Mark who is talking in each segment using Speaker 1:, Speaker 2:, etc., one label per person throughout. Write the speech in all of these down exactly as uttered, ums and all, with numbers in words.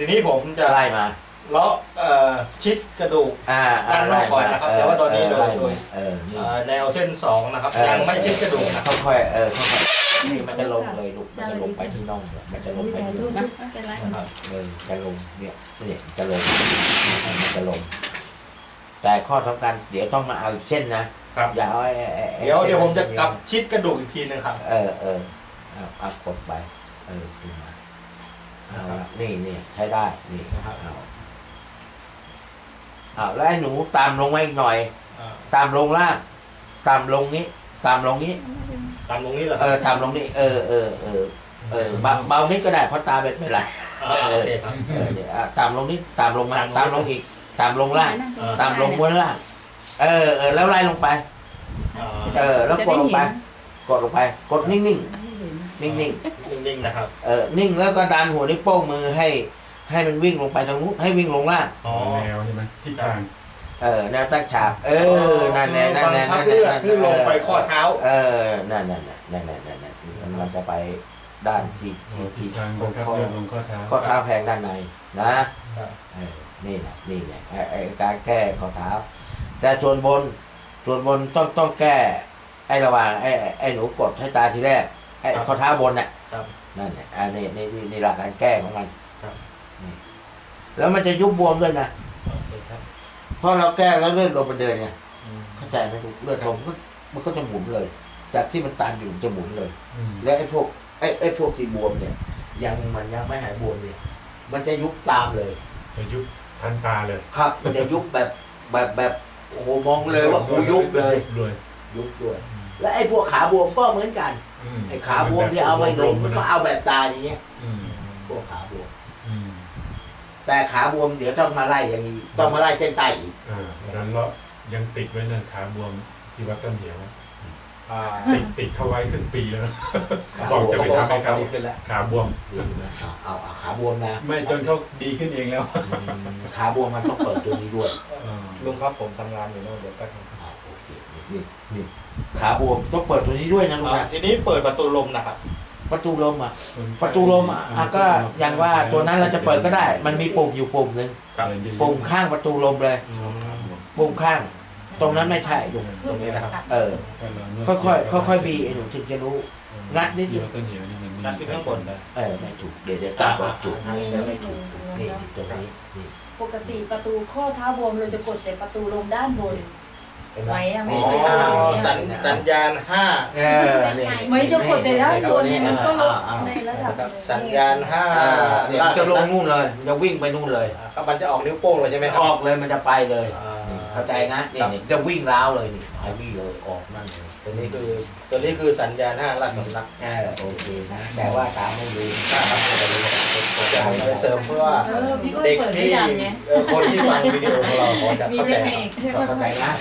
Speaker 1: ทีนี้ผมจะ
Speaker 2: ไล่มา
Speaker 1: เลาะชิดกระดูกด้านนอกก่อนนะครับแต่ว่าตอนนี้โดยโดยแนวเส้นสองนะครับยังไม่ชิดกระดูกนะ
Speaker 2: ค่อยๆเออค่อยๆนี่มันจะลงเลยลูกมันจะลงไปที่น่องมันจะลงไปที่น่องนะครับเออจะลงเนี่ยเนี่ยจะลงมันจะลงแต่ข้อสำคัญเดี๋ยวต้องมาเอาเช่นนะครับอย่าเอา
Speaker 1: เดี๋ยวเดี๋ยวผมจะกลับชิดกระดูกอีกทีนึงครับ
Speaker 2: เออเออเอาเอากดไปเออขึ้นมาเอาละนี่นี่ใช้ได้นี่นะครับเอาเอาแล้วไอ้หนูตามลงมาอีกหน่อยตามลงล่างตามลงนี้ตามลงนี้
Speaker 1: ตามลงนี้เหรอ
Speaker 2: เออตามลงนี้เออเออเออเออเบาเบานิดก็ได้เพราะตาเป็นไม่ไรเออเออเดี๋ยวตามลงนี้ตามลงมาตามลงอีกตามลงล่างตามลงบนล่างเออเออแล้วไล่ลงไปเออแล้วกดลงไปกดลงไปกดนิ่งนิ่งนิ่งนิ่ง
Speaker 1: นิ่งๆนะครับ
Speaker 2: เออนิ่งแล้วก็ดันหัวนิ้วโป้งมือให้ให้มันวิ่งลงไปทางนู้นให้วิ่งลงล่าง
Speaker 3: แนวใช่ไหมทิศทาง
Speaker 2: เออแนวตั้งฉากเออนั่นแหละนั่นแหละนั่นแห
Speaker 1: ละที่ลงไปข้อเท้า
Speaker 2: เออนั่นนั่นนั่นนั่นนั่นนั่นมันจะไปด้านที่ที่ที่
Speaker 3: ข้อเท้าข้อเท้า
Speaker 2: ข้อเท้าแพงด้านในนะเออนี่แหละนี่แหละไอ้การแก้ข้อเท้าแต่ส่วนบนส่วนบนต้องต้องแก้ไอ้ระหว่างไอ้ไอ้หนูกดให้ตาทีแรกไอ้ข้อเท้าบนน่ะนั่นแหละอันนี้นี่นี่หลักการแก้ของมันแล้วมันจะยุบบวมด้วยนะเพราะเราแก้แล้วเลือดลมมันเดินไงเข้าใจไหมเลือดลมก็มันก็จะหมุนเลยจากที่มันตันอยู่จะหมุนเลยแล้วไอ้พวกไอ้ไอ้พวกที่บวมเนี่ยยังมันยังไม่หายบวมเนี่ยมันจะยุบตามเลย
Speaker 3: จะยุบทันตาเลย
Speaker 2: ครับมันจะยุบแบบแบบแบบโอ้โหมองเลยว่าหูยุบเลยยุบด้วยและไอ้พวกขาบวมก็เหมือนกันไอ้ขาบวมที่เอาไว้ดมมันก็เอาแบบตาอย่างเงี้ยพวกขาบวมแต่ขาบวมเดี๋ยวต้องมาไล่อย่างนี้ต้องมาไล่เส้นใต้อีก
Speaker 3: อ่าแล้วเรายังติดไว้นั่นขาบวมที่วัดต้นเหวติดติดเข้าไว้ถึงปีแล้วบอกจะไปทำให้เขาขาบวม
Speaker 2: เอาเอาขาบวมนะ
Speaker 3: ไม่จนเขาดีขึ้นเองแล้ว
Speaker 2: ขาบวมมันต้องเปิดตัวนี้ด้วย
Speaker 1: ลุงครับผมทำงานอยู่โน่นเดี๋ยวก็
Speaker 2: โอเคนี่นี่ขาบวมต้องเปิดตัวนี้ด้วยนะลุงนะ
Speaker 1: ทีนี้เปิดประตูลมนะครับ
Speaker 2: ประตูลมอ่ะประตูลมอ่ะก็อย่างว่าตัวนั้นเราจะเปิดก็ได้มันมีปุ่มอยู่ปุ่มหนึ่งปุ่มข้างประตูลมเลยปุ่มข้างตรงนั้นไม่ใช่อยู่ตรงนี้นะครับเออค่อยๆค่อยๆบีไอ้หนูถึงจะรู้งัดนิดอยู่
Speaker 1: งัดที่ข้างบน
Speaker 2: เออไม่ถูกเดี๋ยวเดี๋ยวตาบอกจุดแล้วไม่ถูกนี่ตรงนี้
Speaker 4: ปกติประตูข้อเท้าบวมเราจะกดแต่ประตูลมด้านบนไว้อะไม่เคย
Speaker 1: สัญสัญญาณห้า
Speaker 4: ไม่จะกดแต่ด้านบนมันก็ลงในระดับ
Speaker 1: สัญญาณห้า
Speaker 2: เนี่ยจะลงนู่นเลยจะวิ่งไปนู่นเลย
Speaker 1: มันจะออกนิ้วโป้งเลยใช่ไหม
Speaker 2: ออกเลยมันจะไปเลยเข้าใจนะนี่จะวิ่งล้าวเลยนี่หายวิ่งเลยออกนั่นเลย
Speaker 1: ตัวนี้คือตัวนี้คือสัญญาณห้าราชสำนัก
Speaker 2: แค่โอเคนะแต่ว่าตามไม่ดี
Speaker 1: ถ้าทำอะไรผมจะให้เสริมเพื่อเด็กที่คนที่ฟังวิดีโอของเราเขาจะเข้าใจ
Speaker 2: เข้าใจนะ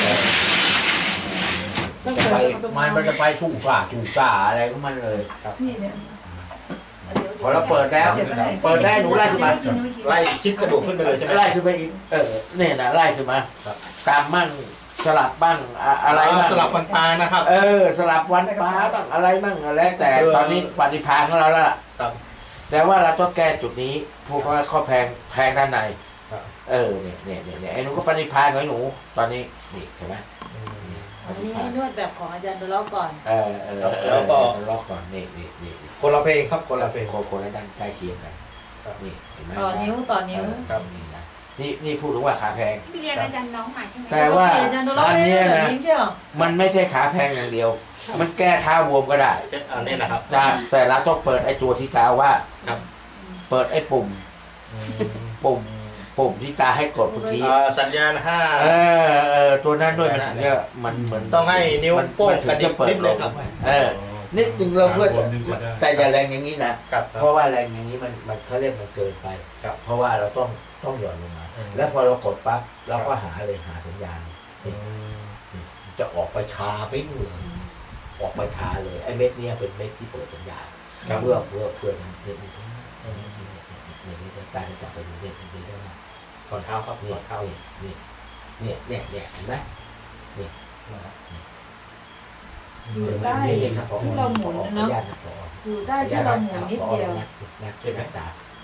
Speaker 2: จะไปมันมันจะไปชู่ฝ่าชู่ฝ่าอะไรก็มันเลยครับพอเราเปิดแล้วเปิดได้หนูไล่ขึ้นมา
Speaker 1: ไล่ชิดกระดูกขึ้นไปเลยใช่ไหม
Speaker 2: ไล่ขึ้นไปอีกเออเนี่ยนะไล่ขึ้นมาตามมั่งสลับบ้างอะไรบ้าง
Speaker 1: สลับวันปลานะครับ
Speaker 2: เออสลับวันปลาบ้างอะไรบ้างอะไรแต่ตอนนี้ปฏิภาณของเราแล้วล่ะแต่ว่าเราต้องแก้จุดนี้พวกว่าข้อแพงแพงด้านในเออเนี่ยเนี่ยเนี่ยไอ้หนูก็ปฏิภาณของหนูตอนนี้นี่ใช่ไหม
Speaker 4: อันนี้นวดแบบของอาจารย์ดล็อกก่อน
Speaker 2: เออเออแล้วก็ล็อกก่อนนี่นี่นี่
Speaker 1: คนละเพลงครับคนละเพลง
Speaker 2: คนละด้านใกล้เคียงกันนี่
Speaker 4: เห็นไหมต่อนิ้วต่อนิ้ว
Speaker 2: ครับนี่นะนี่นี่พูดถึงว่าขาแพง
Speaker 5: พี่เรียนอาจารย์น้องมาใช่ไหม
Speaker 2: แต่ว่าอันนี้นะมันไม่ใช่ขาแพงอย่างเดียวมันแก้เท้าบวมก็ได้
Speaker 1: อันนี้นะครับ
Speaker 2: แต่เราต้องเปิดไอ้ตัวที่กล่าวว่าเปิดไอ้ปุ่มปุ่มปุ่มที่ตาให้กดเมื่อกี้
Speaker 1: สัญญาณห้า
Speaker 2: เออเออตัวนั้นด้วยมันถึงจะมันเหมือน
Speaker 1: ต้องให้นิ้วโป้งกระดิกนิดเลยครับ
Speaker 2: เออนิดนึงเราเพื่อแต่อย่าแรงอย่างนี้นะเพราะว่าแรงอย่างนี้มันมันเขาเรียกมันเกินไปเพราะว่าเราต้องต้องหย่อนลงมาแล้วพอเรากดปั๊บเราก็หาเลยหาสัญญาณจะออกไปชาปิ้งเลยออกไปชาเลยไอ้เม็ดนี้เป็นเม็ดที่เปิดสัญญาณเพื่อเพื่อเพื่อเม็ดนี้เนี่ยตาจะจับไปดูเม็ดนี้ได้ไหม
Speaker 1: ขอเท้าครับขอเท้า
Speaker 2: นี่เนี่ยเนี่ยเนี่ยเห็นไหมนี่
Speaker 4: อยู่ใต้ที่เราหมุนเนาะอยู่ใต้ที่เราหมุนนิดเดียว
Speaker 2: ใช่ไหมตา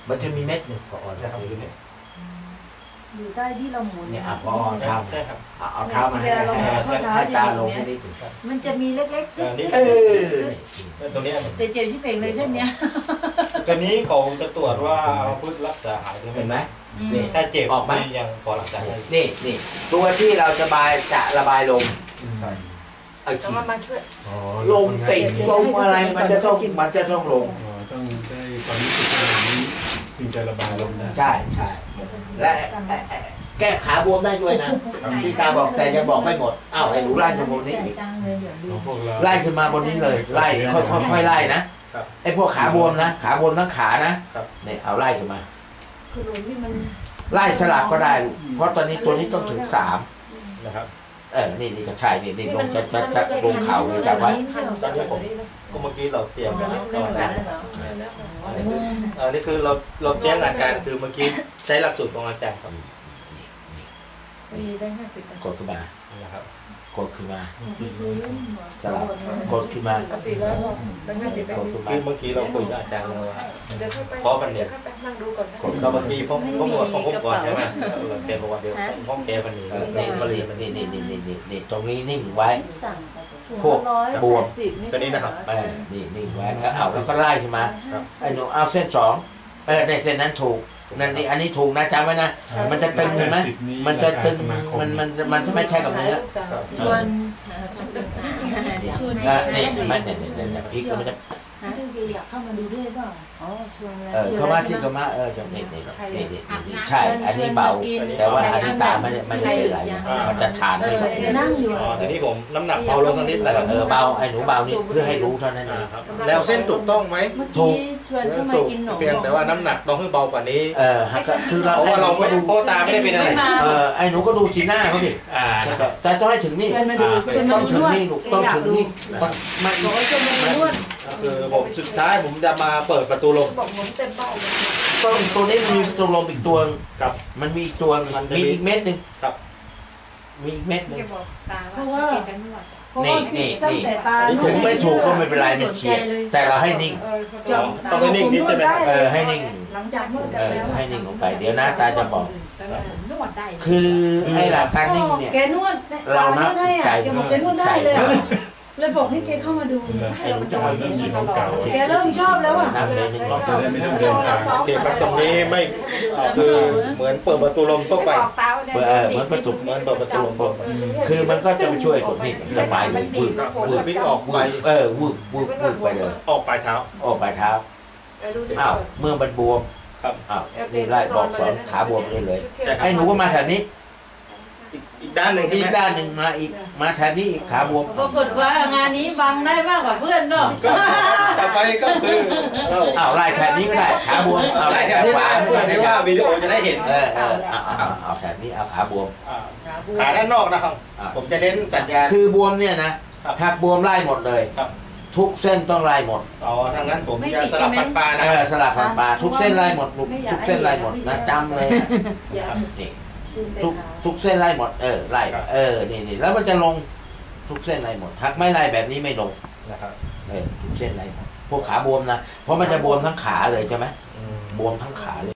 Speaker 2: มันจะมีเม็ดหนึ่งพอจะอยู่เนี่ย
Speaker 4: อยู่ใต้ที่เราหมุน
Speaker 2: เนี่ยอ่ะพอทำ
Speaker 1: ใช่ครับ
Speaker 2: เอาเอาเท้ามาให้ให้ตาลงแค่นี้ถึง
Speaker 4: มันจะมีเล็กๆ
Speaker 1: อันนี้
Speaker 2: เออ
Speaker 1: ตรงนี้
Speaker 4: เจ็บๆที่เป่งเลยเส้นเนี้ย
Speaker 1: ตัวนี้เขาจะตรวจว่าพุทธรักษาหายหรือ
Speaker 2: เห็นไหม
Speaker 4: นี่
Speaker 2: นี่
Speaker 1: ถ้าเจ็บ
Speaker 2: ออกมา
Speaker 1: ยังพอรักษาได้
Speaker 2: นี่นี่ตัวที่เราจะบายจะระบายลมไอ้
Speaker 5: ต้อง
Speaker 2: ที่
Speaker 5: มามาช่วย
Speaker 3: อ๋อ
Speaker 2: ลมติดลมอะไรมันจะต้องมันจะต้องลง
Speaker 3: อ๋อต้องได้ความรู้สึกขนาดนี้จึงจะระบายลมได้
Speaker 2: ใช่ใช่และแก้ขาบวมได้ด้วยนะพี่ตาบอกแต่ยังบอกไม่หมดอ้าวไอ้หนูไล่ขึ้นบนนี้อีก
Speaker 3: ของพวกเรา
Speaker 2: ไล่ขึ้นมาบนนี้เลยไล่ค่อยค่อยค่อยไล่นะไอ้พวกขาบวมนะขาบวมทั้งขานะเนี่ยเอาไล่ขึ้นมา
Speaker 5: คือลมที่มัน
Speaker 2: ไล่สลับก็ได้ลูกเพราะตอนนี้ตัวนี้ต้องถึงสาม
Speaker 1: นะครับ
Speaker 2: เออนี่นี่ก็ใช่นี่นี่ลงจะจะจะลงเข่าเลยจับไว้
Speaker 1: ตอนนี้ผมก็เมื่อกี้เราเตรียมไว้แล้วก็ได้อันนี้คือเราเราแจ้งอาจารย์คือเมื่อกี้ใช้หลักสูตรของอาจารย์ครับ
Speaker 5: มีได้ห้าสิบ
Speaker 2: กดขึ้นมา
Speaker 1: นะครับ
Speaker 2: กดขึ้นมาสลับกดขึ้นมา
Speaker 5: สี่ร้อยได้ห้าสิบ
Speaker 2: กดขึ้นมา
Speaker 1: คือเมื่อกี้เราคุยกับอาจารย์แล้วว่า
Speaker 5: เดี๋ยวเข้าไป
Speaker 1: ขอกันเนี่ย
Speaker 5: เข้าไปนั่งดูก่อน
Speaker 2: กด
Speaker 1: ก็
Speaker 2: เข้ามา
Speaker 1: เมื่อกี้ผมผมบอกของผมก่อนใช่ไหมเราแกบอกว่าเดี๋ยวผมแกวันนี้
Speaker 2: เออ
Speaker 1: นี่
Speaker 2: นี่
Speaker 1: มาเรียน
Speaker 2: นี่นี่นี่นี่นี่นี่ตรงนี้นิ่งไว้
Speaker 4: สั่ง
Speaker 2: พวกบวม
Speaker 1: ตัวนี้นะครับ
Speaker 2: เออนี่นิ่งไว้แล้วเอาแล้วก็ไล่ขึ้นมาไอ้หนูเอาเส้นสองเออในเส้นนั้นถูกนั่นนี่อันนี้ถูกนะจำไว้นะมันจะตึงเห็นไหมมันจะตึงมันมันมันจะไม่ใช่กับเนื้อ
Speaker 4: ชวนที่จริงชวน
Speaker 2: อ่ะนี่เห็นไหมเนี่ยเนี่ยเนี่ยพลิกแล้วมันจะ
Speaker 4: ที่จริงอยากเข้ามาดูด้วยเปล่าอ๋อชวนแล้ว
Speaker 2: เออเข้ามาที่เข้ามาเออจะนี่นี่นี่นี่นี่ใช่อันนี้เบาแต่ว่าอันนี้ตาไม่ได้ไม่ได้เป็นไรมันจะทานไม่ไหว
Speaker 4: นั่งอยู่
Speaker 1: อ๋อทีนี้ผมน้ำหนักเบาลงสักนิด
Speaker 2: เอ
Speaker 1: แล้ว
Speaker 2: อเออเบาไอ้หนูเบานี่เพื่อให้รู้เท่านั้นเอง
Speaker 1: ครับแล้วเส้นถูกต้องไหม
Speaker 4: เมื่อกี้ชวนเข้ามา
Speaker 1: ถูก
Speaker 4: กินหนม
Speaker 1: เพียงแต่ว่าน้ำหนักต้องให้เบากว่านี้
Speaker 2: เออคือเรา
Speaker 1: เพราะว่าเราไม่ดูโพตาไม่ได้เป็นอะไร
Speaker 2: เออไอ้หนูก็ดูสีหน้าเขาดิ
Speaker 1: อ่า
Speaker 2: แต่ต้องให้ถึงนี่
Speaker 4: ชวนมาดูชวน
Speaker 2: ต้
Speaker 4: มา
Speaker 2: อง
Speaker 4: ดู
Speaker 2: ถึง
Speaker 4: ด้วย
Speaker 2: นี่ลูกต้องถึงนี่ต้องมา
Speaker 4: บอกว่าชวนมาดูด้วย
Speaker 1: คือผมสุดท้ายผมจะมาเปิดประตูลม
Speaker 5: บอกหมุนเต็มเบ้าเลย
Speaker 2: ต้องตัวนี้มันมีตัวลมอีกตัว
Speaker 1: ครับ
Speaker 2: มันมีอีกตัวมีอีกเม็ดหนึ่ง
Speaker 1: ครับ
Speaker 2: มีอีกเม็ดหนึ่ง
Speaker 5: แกบอกตาว่าจังหวัด
Speaker 4: เพราะว่าตั้งแต่ตา
Speaker 2: ถึงไม่ถูกก็ไม่เป็นไรมันเฉียดแต่เราให้นิ่ง
Speaker 5: เออ
Speaker 4: จบ
Speaker 1: ต้องให้นิ่งนิดใช่ไหมครับ
Speaker 2: เออให้นิ่ง
Speaker 4: หลังจากนวดกัน
Speaker 2: เออ
Speaker 4: แล้ว
Speaker 2: ให้นิ่งลงไปเดี๋ยวหน้าตาจะบอก
Speaker 5: นวดได้
Speaker 2: คือไอ้หลักการนิ่งเนี่ย
Speaker 4: แกนวด
Speaker 2: เรานับ
Speaker 4: ให้
Speaker 2: ใจ
Speaker 4: อ่ะแกบอกแกนวดได้เลยอะเลยบอกให้แกเข้ามาดู
Speaker 2: ไอ้หนูจะมานิ่ง
Speaker 3: เก่า
Speaker 4: แกเริ่มชอบแล้วอ่ะ
Speaker 2: นับเลยหนึ่งรอบ
Speaker 3: จะได้ไม่ต้องเดินทาง
Speaker 1: โอเคครับตรงนี้ไม่คือเหมือนเปิดประตูลมทั่วไป
Speaker 2: เหมือนประตู
Speaker 1: เหมือนเปิดประตูลมทั่วไป
Speaker 2: คือมันก็จะไปช่วยตัวนี้ระบายมือวืบ
Speaker 1: มือพลิกออกไป
Speaker 2: วืบเออวืบวืบวืบไปเลย
Speaker 1: ออกปลายเท้า
Speaker 2: ออกปลายเท้าอ้าวเมื่อมันบวม
Speaker 1: ครับ
Speaker 2: อ้าวนี่ไล่บอกสอนขาบวมเลยเลยไอ้หนูก็มาแถวนี้
Speaker 1: อีกอีกด้านหนึ่ง
Speaker 2: อีก
Speaker 1: ใช่ไหม
Speaker 2: ด้านหนึ่งมาอีกมาแถวนี้อีกขาบวม
Speaker 4: ปรากฏว่างานนี้บังได้มากกว่าเพื่อนเนาะ
Speaker 1: ก็ต่อไปก็คือเรา
Speaker 2: อ้าวไล่แถวนี้ก็ได้ขาบวมเอา
Speaker 1: ไล่
Speaker 2: ไล่
Speaker 1: แถ
Speaker 2: แถ
Speaker 1: ว
Speaker 2: ว
Speaker 1: นี้
Speaker 2: ขวา
Speaker 1: เพื่อที่ว่าวิดีโอจะได้เห็น
Speaker 2: เออเออเอาเอาเอาเอาแถวนี้เอาขาบวม
Speaker 1: อ่าขาด้านนอกนะครับ ผมจะเน้นสัญญาณ
Speaker 2: คือบวมเนี่ยนะครับ หักบวมไล่หมดเลย
Speaker 1: ครับ
Speaker 2: ทุกเส้นต้องไล่หมด
Speaker 1: อ๋อทางนั้นผมจะสลับฟันปลานะ
Speaker 2: เอ
Speaker 1: ค
Speaker 2: อ
Speaker 1: รับ
Speaker 2: สลับฝันปลาทุกเส้นไล่หมดลูกทุกเส้นไล่หมดนะจำเลยนะนี่ทุกทุกเส้นไล่หมดเออไล่เออนี่นี่แล้วมันจะลงทุกเส้นไล่หมดหักไม่ไล่แบบนี้ไม่ลง
Speaker 1: นะครับ
Speaker 2: เออทุกเส้นไล่หมดพวกขาบวมนะเพราะมันจะบวมทั้งขาเลยใช่ไหมบวมทั้งขาเลย